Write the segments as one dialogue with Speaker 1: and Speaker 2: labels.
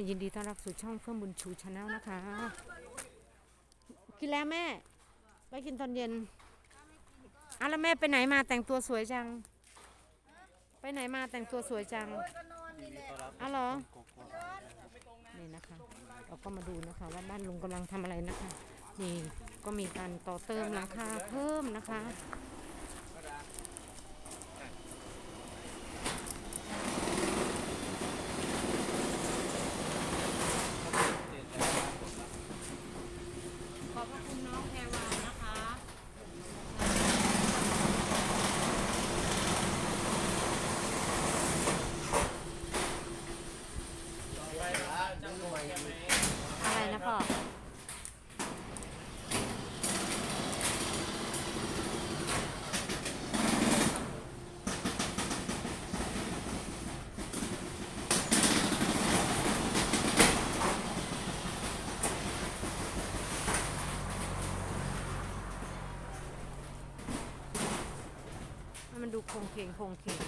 Speaker 1: ยินดีต้อนรับสู่ช่องเฟื่องบุญชูชาแนลนะคะกินแล้วแม่ไปกินตอนเย็นแล้วแม่ไปไหนมาแต่งตัวสวยจังไปไหนมาแต่งตัวสวยจังเหรอนี่นะคะเราก็มาดูนะคะว่าบ้านลุงกำลังทำอะไรนะคะนี่ก็มีการต่อเติมหลังคาเพิ่มนะคะขอบคุณน้องแพรวานะคะอะไรนะพ่อมันดูโครงเคงโครงเคง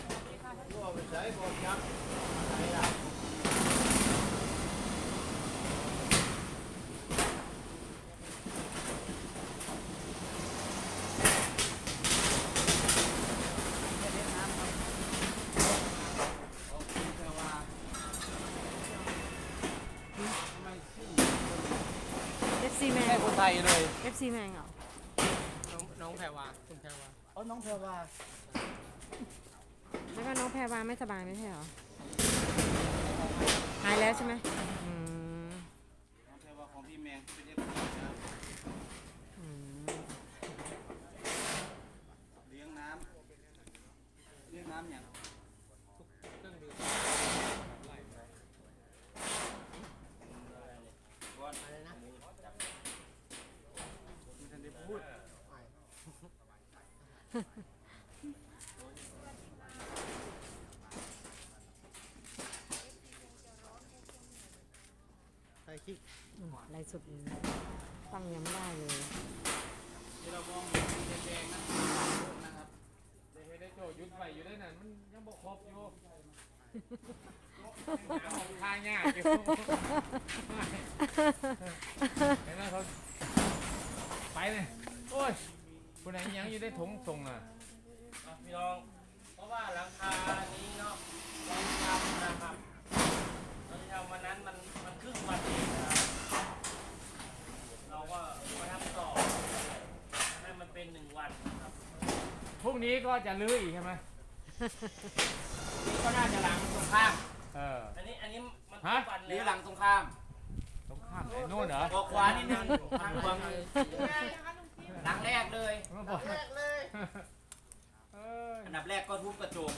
Speaker 1: FC แมง
Speaker 2: คนไทยเลย
Speaker 1: FC แมงเหรอ
Speaker 2: น้องแพรวาคุณแพรวาน้องแพรวา
Speaker 1: แล้วก็น้องแพรวาไม่สบายไม่ใช่เหรอหายแล้วใช่ไหม
Speaker 2: น้องแพรวาของพี่แมงเป็นFPนะเลี้ยงน้ำอย่างทุกเครื่องดื่มก่อนอะไรนะไม่ทันได้พูดใส่คลิป
Speaker 1: ไล่สุดตั้งยังไม่ได้เลย
Speaker 2: ที่เรามองเห็นสีแดงๆนะครับได้โจยุดไปอยู่ได้นั่นมันยังบกครบอยู่ของทางยากอยู่เห็นไหมเขาไปเลยโอ้ยคุณไหนยังอยู่ได้ถงส่งอ่ะ
Speaker 3: พี่น้องเพราะว่าหลังคานี้เนาะเราทำนะครับเราทำวันนั้นมันครึ่งวันเองนะครับเราก็มาทำต่อให้มันเป็น1 วันครับ
Speaker 2: พรุ่งนี้ก็จะลื้ออีกใช่ไหม
Speaker 3: นี่ก็น่าจะหลังตรงข้ามอันนี้มันทุกวัน
Speaker 2: ห
Speaker 3: เล
Speaker 2: รื
Speaker 3: ย
Speaker 2: อหลังตรงข้ามไหนโน่นเหรอ
Speaker 3: ออกขวานิดนึงทางขวาหลังแรกเลยอันดับแรกก็ทุบกระจก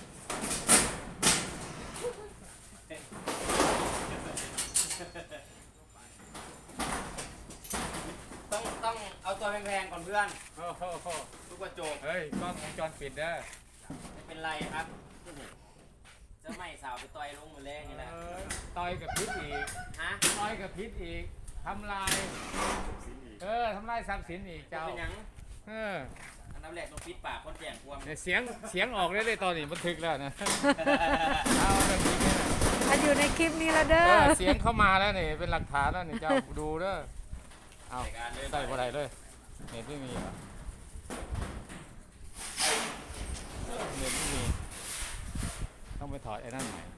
Speaker 3: ต้องเอาตัวแพงๆก่อนเพื่อนทุบกระจก
Speaker 2: เฮ้ยกล้องวงจรปิดเด้อ
Speaker 3: ไม่เป็นไรครับจะไม่สาวไปต่อยลงมือแรงนี่แหละ
Speaker 2: ต่อยกับพิษอีกต่อยกับพิษอีกทำลายทำลายทรัพย์สินอีกเจ้า
Speaker 3: เป็นยังอันดับแรกต้องปิดปากคนแย่งความ
Speaker 2: เสียงออกได้ตอนนี้บันทึกแล้วนะเอาแบบนี้
Speaker 1: อยู่ในคลิปนี้แล้วเด้อ
Speaker 2: เสียงเข้ามาแล้วนี่เป็นหลักฐานแล้วนี่เจ้าดูเด้อเอาใส่อะไรเลยเน็ตไม่มีเหรอเน็ตไม่มีต้องไปถอดไอ้นั่นใหม่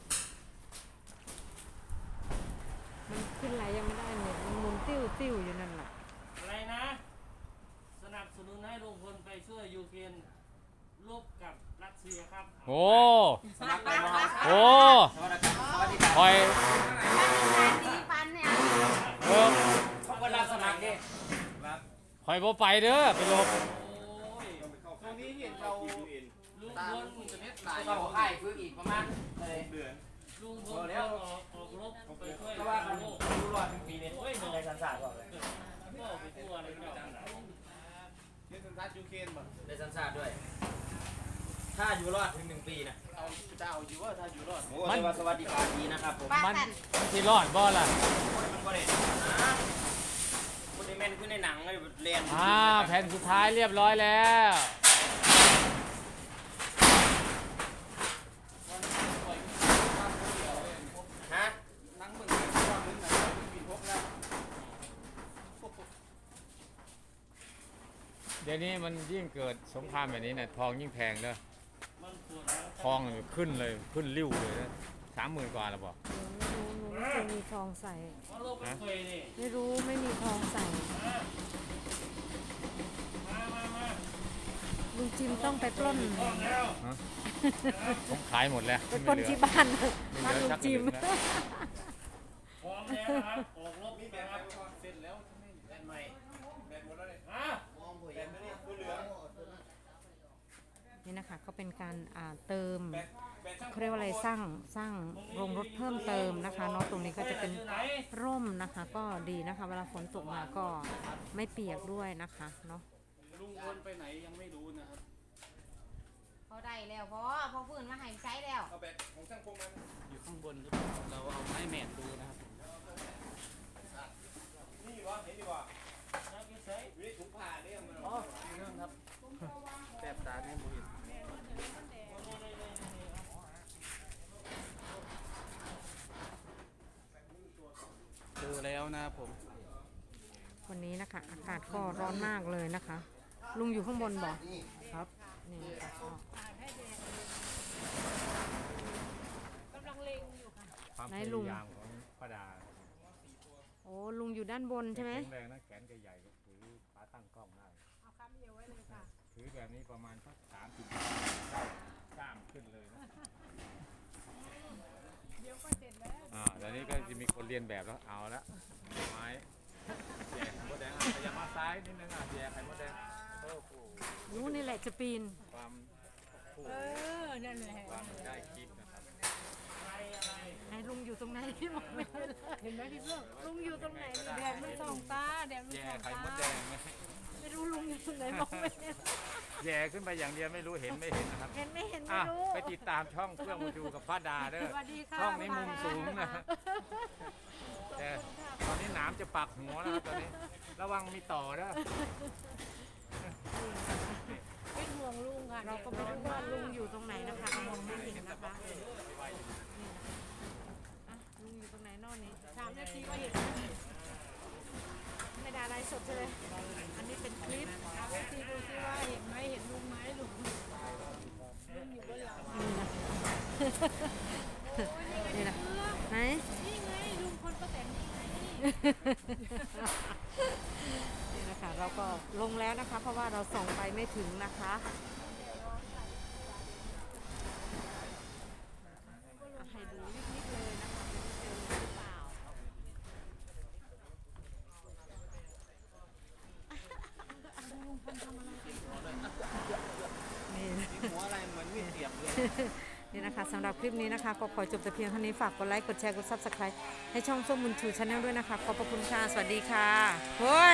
Speaker 1: มันขึ้นไหลยังไม่ได้เน็ตมันหมุนติ้วอยู่นั่นแหละ
Speaker 3: อะไรนะสนับสนุนให้ลุงพลไปช่วยยูเครนรบกับรัสเซียครับ
Speaker 2: โอ้
Speaker 3: สนับสนุน
Speaker 2: โอ้คอย
Speaker 3: คนรับสมัครดิ
Speaker 2: คอยโบไปเด้อไปลบ
Speaker 3: ตรงนี้เห็นเราลุงพลเราค่ายฟื้นอีกประมาณเดือนลุงพลแล้วออกรบไปช่วยเพราะว่าเขาดูรอดถึงปีนี้ในสันสาดก่อนเลยก็ไปทั่วเลยเนาะ
Speaker 2: ในสันสาดยูเครนบ่
Speaker 3: ในสันสาดด้วยถ้าอยู่รอดถึง1 ปีนะ
Speaker 2: จะเอาอยู่ว่าถ้าอยู่รอด
Speaker 3: มันสวัสดิการดีนะครับผม
Speaker 2: มันที่รอดบ่ล่ะ
Speaker 3: มันก็ได้คนในแมนขึ้นในหนังเลยเรียน
Speaker 2: แผ่นสุดท้ายเรียบร้อยแล้ว
Speaker 3: ฮะ
Speaker 2: นั่งมึงเดี๋ยวนี้มันยิ่งเกิดสงครามแบบนี้เนี่ยทองยิ่งแพงเด้อ
Speaker 3: มันปวดหลัง
Speaker 2: ทองขึ้นเลยขึ้นริ้วเลยนะ30,000 กว่าแล้วบอก
Speaker 1: หนูไม่เคยมีทองใส่
Speaker 3: เพราะโลกมันเคยนี่
Speaker 1: ไม่รู้ไม่มีทองใส่
Speaker 3: มา
Speaker 1: ลุงจิมต้องไปปล้น
Speaker 3: พร้อมแล้ว
Speaker 2: ฮะผมขายหมดแล้ว
Speaker 1: ไปปล้นที่บ้านบ้านลุงจิม
Speaker 3: พร้อมแล้วนะครับออกรบนี่นะครับเสร็จแล้วแบนใหม่แบนหมดแล้วเลยแบนไม่ได้ตัวเหลือง
Speaker 1: นี่นะคะก็เป็นการเติมเขาเรียกว่าอะไรสร้างโรงรถเพิ่มเติมนะคะเนาะตรงนี้ก็จะเป็นร่มนะคะ ก็ดีนะคะ เวลาฝนตกมาก็ไม่เปียกด้วยนะคะเนาะ
Speaker 3: ลุงพลไปไหนยังไม่รู้นะครับ
Speaker 4: เขาได้แล้วพอฟื้นมาให้ใช้แล้ว
Speaker 3: เอาแบบของช่างพงมันอยู่ข้างบนหรือเปล่าเราเอาไม้แมนดูนะครับนี่วะเห็นดีกว่าวิถุงผ่าเนี่ยมันอ๋อเรื่องครับแสบตาเนี่ยบุญเจอแล้วนะครับผม
Speaker 1: วันนี้นะคะอากาศก็ร้อนมากเลยนะคะ ลุงอยู่ข้างบนบอกครับนี่นะคะก็
Speaker 2: ความ
Speaker 1: ไหน
Speaker 2: พ
Speaker 1: ลุง
Speaker 2: ยายามของป้าดา
Speaker 1: โอ้ลุงอยู่ด้านบนใช่ไหม
Speaker 2: แข็งแรงนะแขนแกใหญ่ก็ถือขาตั้งกล้องได้เอาคำเดียวไว้เลยค่ะถือแบบนี้ประมาณสัก30กล้ามขึ้นเลยนะเดี๋ยวก็เสร็จแล้วตอนนี้ก็จะมีคนเรียนแบบแล้วเอาละไม้แย่ไข่มดแดงพยายามมาซ้ายนิดนึงแย่ไข่มดแดงโอ้โห
Speaker 1: รู้นี่แหละจะปีน
Speaker 2: ความคู่
Speaker 4: นั่นแหละ
Speaker 2: ความได้คลิปนะครับ
Speaker 1: ไหนลุงอยู่ตรงไหนที่มองไม่เห็นไหมพี่เพื่อนลุงอยู่ตรงไหน
Speaker 4: แดดมันส่องตาแดดมัน
Speaker 2: แย่
Speaker 4: ส่อง
Speaker 2: ไข่
Speaker 4: ตาม
Speaker 2: ดแดงไหม
Speaker 1: ไม่รู้ลุงอยู่ตรงไหนมองไม่เห็น
Speaker 2: แย่ขึ้นไปอย่างเดียวไม่รู้เห็นไม่เห็นนะครับ
Speaker 1: เห็นไม่เห็นไม่
Speaker 2: อ่ะ
Speaker 1: รู้
Speaker 2: ไปติดตามช่องเพื่อนมูจูกับป้าดาเด้อ
Speaker 1: สวัสดีค่ะ
Speaker 2: ช่องนี้มุมสูงนะแต่ตอนนี้หนามจะปักหัวแล้วครับตอนนี้ระวังมีต่อเด้อ
Speaker 4: เป็นห่วงลุงค่ะ
Speaker 1: เราก็ไม่รู้ว่าลุงอยู่ตรงไหนนะคะมองไม่เห็นนะคะนี่นะคะอ่ะลุงอยู่ตรงไหนนอกนี้
Speaker 4: 3 นาทีก็เห็น
Speaker 1: ไม่ได้อะไรสดใช่ไหมอันนี้เป็นคลิป
Speaker 4: 3 นาทีดูซิว่าเห็นไหมเห็นลุงไหมลุงอยู่บนหลัง
Speaker 1: นี่นะไหน
Speaker 4: นี่ไงลุงคนป้าแตนนี่ไง
Speaker 1: นี่นะคะเราก็ลงแล้วนะคะ เพราะว่าเราส่องไปไม่ถึงนะคะอ่ะให้ดูนิดๆเลยนะคะไม่รู้เจอหรือเปล่านี่
Speaker 3: หัวอะไรเหมือนมีดเสียบเลย
Speaker 1: นี่นะคะสำหรับคลิปนี้นะคะก็ขอจบแต่เพียงเท่านี้ฝากกดไลค์กดแชร์กด Subscribe ให้ช่องส้มบุญชูชาแนลด้วยนะคะขอบพระคุณค่ะสวัสดีค่ะเฮ้ย